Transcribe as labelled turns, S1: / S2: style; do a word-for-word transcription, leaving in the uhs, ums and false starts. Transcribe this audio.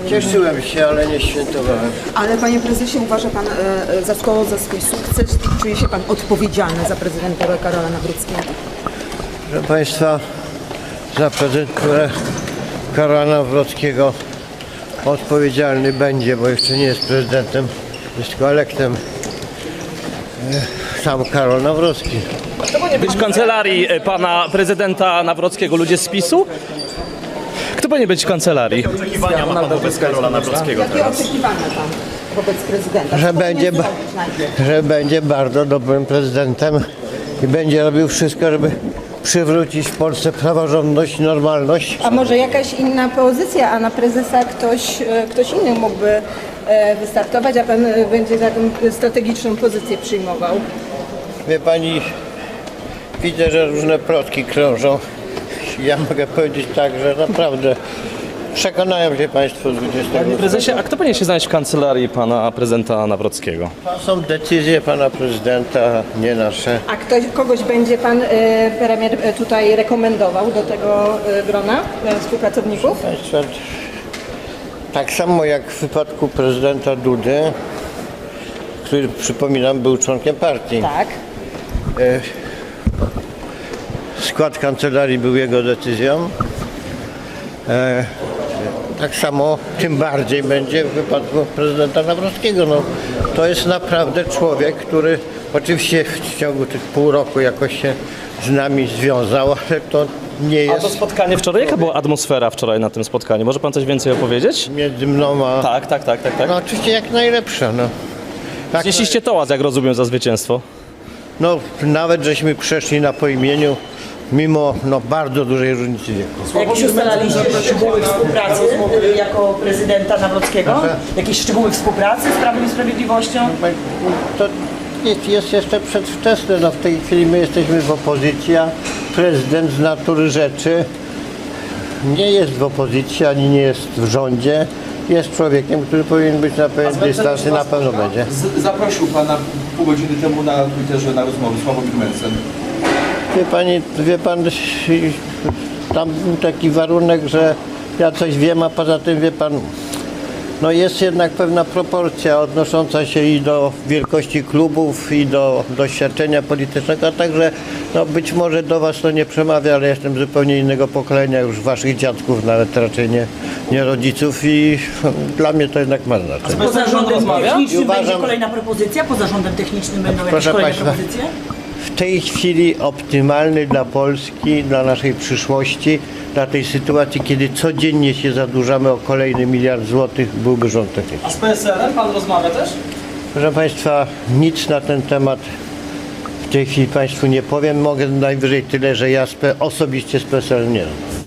S1: Cieszyłem się, ale nie świętowałem.
S2: Ale panie prezesie, uważa pan e, za szkołę za swój sukces? Czuje się pan odpowiedzialny za prezydenturę Karola Nawrockiego?
S1: Proszę Państwa, za prezydenturę Karola Nawrockiego odpowiedzialny będzie, bo jeszcze nie jest prezydentem, jest tylko elektem, e, sam Karol Nawrocki.
S3: To powinien być w kancelarii e, pana prezydenta Nawrockiego ludzie z PiSu? Kto powinien być w kancelarii? Jakie oczekiwania ma pan wobec Karola Nawrockiego
S2: Jakie
S3: teraz?
S2: oczekiwania pan wobec prezydenta?
S1: Że
S2: Co
S1: będzie,
S2: powinien
S1: ba-
S2: zrobić najpierw?
S1: że będzie bardzo dobrym prezydentem i będzie robił wszystko, żeby przywrócić w Polsce praworządność i normalność.
S4: A może jakaś inna pozycja, a na prezesa ktoś, e, ktoś inny mógłby e, wystartować, a pan e, będzie taką strategiczną pozycję przyjmował?
S1: Wie Pani, widzę, że różne plotki krążą. Ja mogę powiedzieć tak, że naprawdę przekonają się Państwo z dwudziestego.
S3: Panie prezesie, a kto powinien się znaleźć w kancelarii pana prezydenta Nawrockiego?
S1: To są decyzje Pana Prezydenta, nie nasze.
S4: A ktoś, kogoś będzie pan e, premier e, tutaj rekomendował do tego e, grona e, współpracowników?
S1: Państwa, tak samo jak w wypadku prezydenta Dudy, który, przypominam, był członkiem partii.
S4: Tak.
S1: E, Skład kancelarii był jego decyzją. E, tak samo, tym bardziej będzie w wypadku prezydenta Nawrockiego. No, to jest naprawdę człowiek, który oczywiście w ciągu tych pół roku jakoś się z nami związał, ale to nie
S3: A to
S1: jest
S3: spotkanie wczoraj? Jaka była atmosfera wczoraj na tym spotkaniu? Może pan coś więcej opowiedzieć?
S1: między mną a...
S3: Tak, tak, tak, tak, tak.
S1: No oczywiście jak najlepsza. No. Tak,
S3: Znieśliście tołaz, jak rozumiem, za zwycięstwo.
S1: no nawet żeśmy przeszli na po imieniu, mimo no, bardzo dużej różnicy wieku.
S5: Jakieś ustalaliście szczegóły współpracy y, jako prezydenta Nawrockiego? Jakieś szczegóły współpracy z Prawem i Sprawiedliwością?
S1: To jest, jest jeszcze przedwczesne. No, w tej chwili my jesteśmy w opozycji, a prezydent z natury rzeczy nie jest w opozycji, ani nie jest w rządzie. Jest człowiekiem, który powinien być na pewien dystans i na pewno będzie.
S6: Z- Zaprosił Pana pół godziny temu na Twitterze na rozmowę Sławomir Mencen.
S1: Wie Pani, wie Pan, tam był taki warunek, że ja coś wiem, a poza tym wie Pan, no jest jednak pewna proporcja odnosząca się i do wielkości klubów, i do doświadczenia politycznego, a także no być może do Was to nie przemawia, ale jestem zupełnie innego pokolenia, już Waszych dziadków, nawet raczej nie, nie rodziców i dla mnie to jednak ma znaczenie.
S5: Poza rządem
S3: rozmawia?
S5: technicznym
S1: I uważam-
S5: będzie kolejna propozycja? Poza rządem technicznym będą jakieś
S1: Proszę
S5: kolejne
S1: państwa,
S5: propozycje?
S1: w tej chwili optymalny dla Polski, dla naszej przyszłości, dla tej sytuacji, kiedy codziennie się zadłużamy o kolejny miliard złotych, byłby rząd techniczny.
S3: A z P S L-em pan rozmawia też?
S1: Proszę Państwa, nic na ten temat w tej chwili Państwu nie powiem. Mogę najwyżej tyle, że ja z P- osobiście z P S L nie mam.